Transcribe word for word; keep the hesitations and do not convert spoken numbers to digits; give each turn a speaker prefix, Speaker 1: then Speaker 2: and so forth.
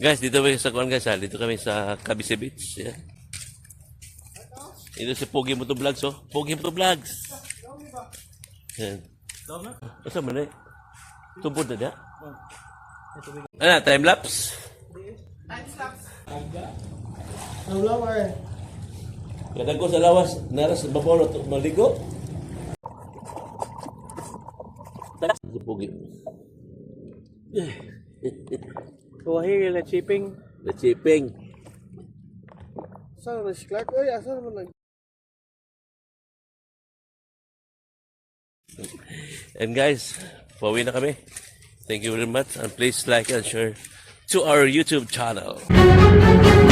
Speaker 1: Guys, dito kami sa kuan guys ha. Dito kami sa Cavite Beach. Yan. Ito si Pogi Moto Vlogs oh. Pogi Moto Vlogs. Yan. Asa man eh? Tubod na dia? Ano, time lapse?
Speaker 2: Time lapse.
Speaker 3: Ang lower.
Speaker 1: Kadang ko sa lawas, naras babaw na maligo. Si Pogi.
Speaker 3: Kuwahi na chipping.
Speaker 1: The chipping.
Speaker 3: Saan na si Clark? Oy, asa naman nag...
Speaker 1: And guys, pauwi na kami. Thank you very much and please like and share to our YouTube channel.